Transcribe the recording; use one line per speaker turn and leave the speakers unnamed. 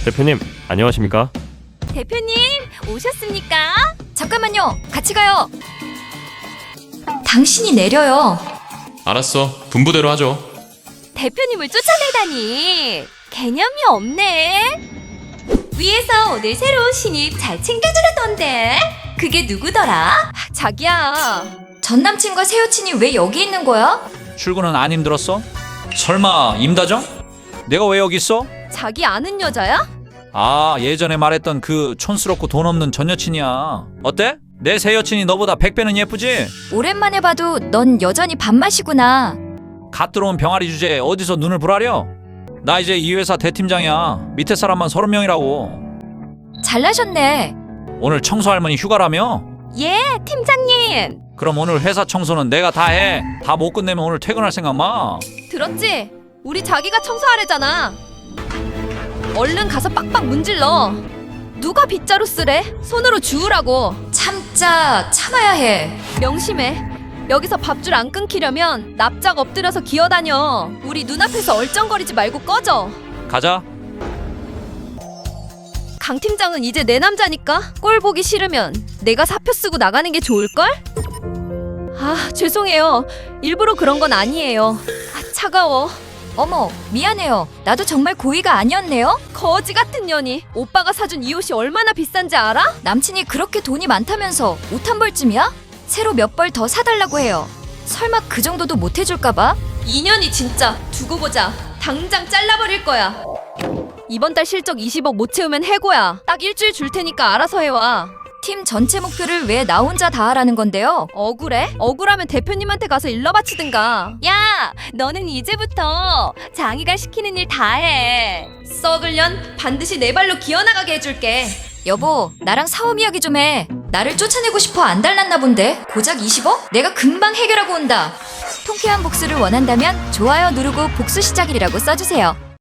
대표님, 안녕하십니까?
대표님, 오셨습니까?
잠깐만요. 같이 가요. 당신이 내려요.
알았어. 분부대로 하죠.
대표님을 쫓아내다니. 개념이 없네. 위에서 오늘 새로운 신입 잘 챙겨주려던데. 그게 누구더라? 자기야.
전 남친과 새 여친이 왜 여기 있는 거야?
출근은 안 힘들었어? 설마 임다정? 내가 왜 여기 있어?
자기 아는 여자야?
아, 예전에 말했던 그 촌스럽고 돈 없는 전 여친이야. 어때? 내 새 여친이 너보다 100배는 예쁘지?
오랜만에 봐도 넌 여전히 밥맛이구나.
갓 들어온 병아리 주제에 어디서 눈을 부라려? 나 이제 이 회사 대팀장이야. 밑에 사람만 30명이라고.
잘나셨네.
오늘 청소 할머니 휴가라며?
예, 팀장님.
그럼 오늘 회사 청소는 내가 다 해. 다 못 끝내면 오늘 퇴근할 생각 마.
들었지? 우리 자기가 청소하래잖아. 얼른 가서 빡빡 문질러. 누가 빗자루 쓰래? 손으로 주우라고.
참자, 참아야 해.
명심해. 여기서 밥줄 안 끊기려면 납작 엎드려서 기어다녀. 우리 눈앞에서 얼쩡거리지 말고 꺼져.
가자.
강 팀장은 이제 내 남자니까 꼴 보기 싫으면 내가 사표 쓰고 나가는 게 좋을걸? 아, 죄송해요. 일부러 그런 건 아니에요. 아, 차가워.
어머, 미안해요. 나도 정말 고의가 아니었네요.
거지 같은 년이. 오빠가 사준 이 옷이 얼마나 비싼지 알아?
남친이 그렇게 돈이 많다면서 옷 한 벌쯤이야? 새로 몇 벌 더 사달라고 해요. 설마 그 정도도 못 해줄까봐?
인연이 진짜. 두고 보자. 당장 잘라버릴 거야. 이번 달 실적 20억 못 채우면 해고야. 딱 일주일 줄 테니까 알아서 해와.
팀 전체 목표를 왜 나 혼자 다 하라는 건데요?
억울해? 억울하면 대표님한테 가서 일러 바치든가. 야, 너는 이제부터 장이가 시키는 일 다 해. 썩을 년 반드시 내 발로 기어나가게 해줄게.
여보, 나랑 사업 이야기 좀 해. 나를 쫓아내고 싶어 안 달랐나 본데? 고작 20억? 내가 금방 해결하고 온다. 통쾌한 복수를 원한다면 좋아요 누르고 복수 시작이라고 써주세요.